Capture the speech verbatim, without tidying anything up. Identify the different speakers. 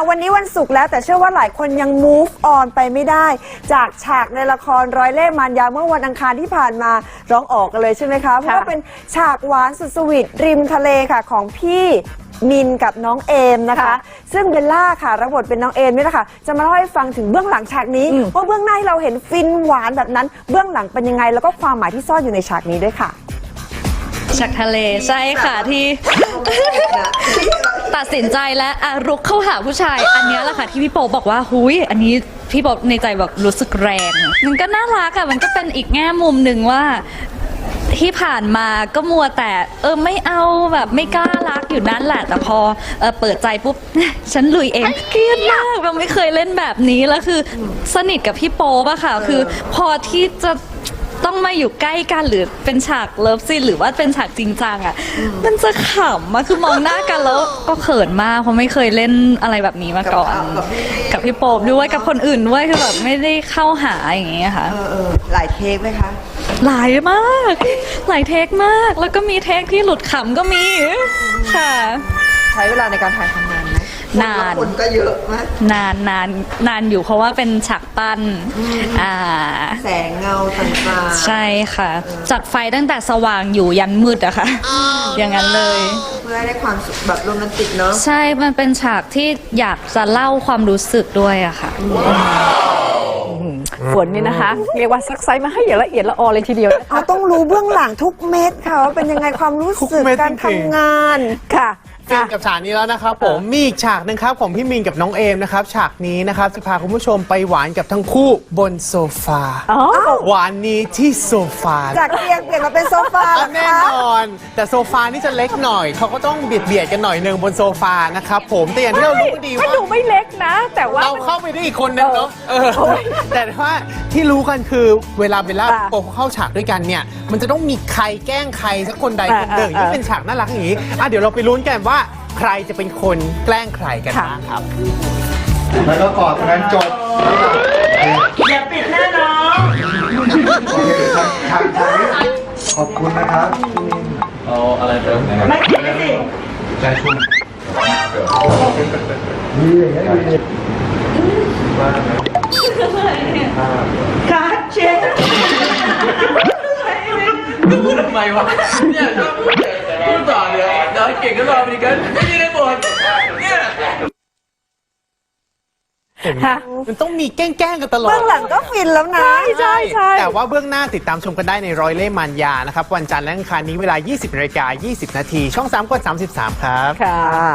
Speaker 1: วันนี้วันศุกร์แล้วแต่เชื่อว่าหลายคนยัง move on ไปไม่ได้จากฉากในละครร้อยเล่ห์มารยาเมื่อวันอังคารที่ผ่านมาร้องออกกันเลยใช่ไหมคะเพราะว่าเป็นฉากหวานสุดสวีทริมทะเลค่ะของพี่มินกับน้องเอมนะคะซึ่งเบลล่าค่ะรับบทเป็นน้องเอมนี่แหละค่ะจะมาเล่าให้ฟังถึงเบื้องหลังฉากนี้ว่าเบื้องหน้าที่เราเห็นฟินหวานแบบนั้นเบื้องหลังเป็นยังไงแล้วก็ความหมายที่ซ่อนอยู่ในฉากนี้ด้วยค่ะ
Speaker 2: ฉากทะเลใช่ค่ะที่ตัดสินใจและอ่ะรุกเข้าหาผู้ชายอันนี้แหละค่ะที่พี่โป๊บอกว่าหุยอันนี้พี่โป๊ในใจแบบรู้สึกแรงมันก็น่ารักอะมันก็เป็นอีกแง่มุมหนึ่งว่าที่ผ่านมาก็มัวแต่เออไม่เอาแบบไม่กล้ารักอยู่นั่นแหละแต่พอเออเปิดใจปุ๊บฉันลุยเองเครียดมากเราไม่เคยเล่นแบบนี้แล้วคือสนิทกับพี่โป๊ปอะค่ะคือพอที่จะต้องมาอยู่ใกล้กันหรือเป็นฉากเลิฟซีนหรือว่าเป็นฉากจริงจังอ่ะมันจะขำอะคือมองหน้ากันแล้วก็เขินมากเพราะไม่เคยเล่นอะไรแบบนี้มาก่อนกับพี่โป๊ปด้วยกับคนอื่นด้วยคือแบบไม่ได้เข้าหาอย่างเงี้ยค่ะ
Speaker 3: หลายเทคไหมคะ
Speaker 2: หลายมากหลายเทคมากแล้วก็มีเทคที่หลุดขำก็มีค่ะ
Speaker 3: ใช้เวลาในการถ่ายทำงานไหม
Speaker 2: นาน
Speaker 3: คนก็เยอะมาก
Speaker 2: นานนานนานอยู่เพราะว่าเป็นฉากปั้นอ่า
Speaker 3: แสงเงาต่าง
Speaker 2: ๆใช่ค่ะจัดไฟตั้งแต่สว่างอยู่ยันมืดอะค่ะอย่างนั้นเลย
Speaker 3: เพื่อให้ได้ความแบบโรแมนติกเนาะ
Speaker 2: ใช่มันเป็นฉากที่อยากจะเล่าความรู้สึกด้วยอะค่ะ
Speaker 4: ฝนนี่นะคะเรียกว่าซักไซมาให้อย่างละเอียดละออเลยทีเดียว
Speaker 1: เราต้องรู้เบื้องหลังทุกเม็ดค่ะว่าเป็นยังไงความรู้สึกการทำงานค่ะ
Speaker 5: ฟินกับฉากนี้แล้วนะครับผมมีอีกฉากหนึงครับของพี่มินกับน้องเอมนะครับฉากนี้นะครับจะพาคุณผู้ชมไปหวานกับทั้งคู่บนโซฟาหวานนี้ที่โซฟา
Speaker 1: จากเตียงเปลี่ยนมาเป็นโซฟา
Speaker 5: แน่นอนแต่โซฟานี่จะเล็กหน่อยเขาก็ต้องเบียดเบียดกันหน่อยหนึ่งบนโซฟานะครับผมแต่อย่างที่เรารู้ดีว่า
Speaker 4: ดูไม่เล็กนะแต่ว่า
Speaker 5: เราเข้าไปได้อีกคนนึงเนาะแต่ว่าที่รู้กันคือเวลาเบลล่าโป๊เข้าฉากด้วยกันเนี่ยมันจะต้องมีใครแกล้งใครสักคนใดคนหนึ่งที่เป็นฉากน่ารักอย่างนี้อ่ะเดี๋ยวเราไปลุ้นกันว่าใครจะเป็นคนแกล้งใครกันบ้างครับ
Speaker 6: แล้วก็กอดกันจบ
Speaker 3: อย่าปิดแน่นอน
Speaker 6: โอเคทางทางทางนี้ขอบคุณนะครับ
Speaker 7: เอาอะไรเติมนะครับ
Speaker 3: ไม่ปิดไม่สิ
Speaker 6: ใจชุ่มดีอย่างนี้ดี
Speaker 3: การเช็ด
Speaker 7: พูดทำไมวะเนี่ยชอบพูดพูดต่อเลยเดี๋ยวเก่งก็รอไปกันไม่ได้ในบทเนี่ย
Speaker 5: มันต้องมีแกล้งๆกันตลอด
Speaker 1: เบื้องหลังก็ฟินแล้วนะ
Speaker 4: ใช่ใช่
Speaker 5: แต่ว่าเบื้องหน้าติดตามชมกันได้ในร้อยเล่ห์มารยานะครับวันจันทร์และอังคารนี้เวลา ยี่สิบนาฬิกายี่สิบนาทีช่องสามกดสามสิบสามครับ
Speaker 4: ค่ะ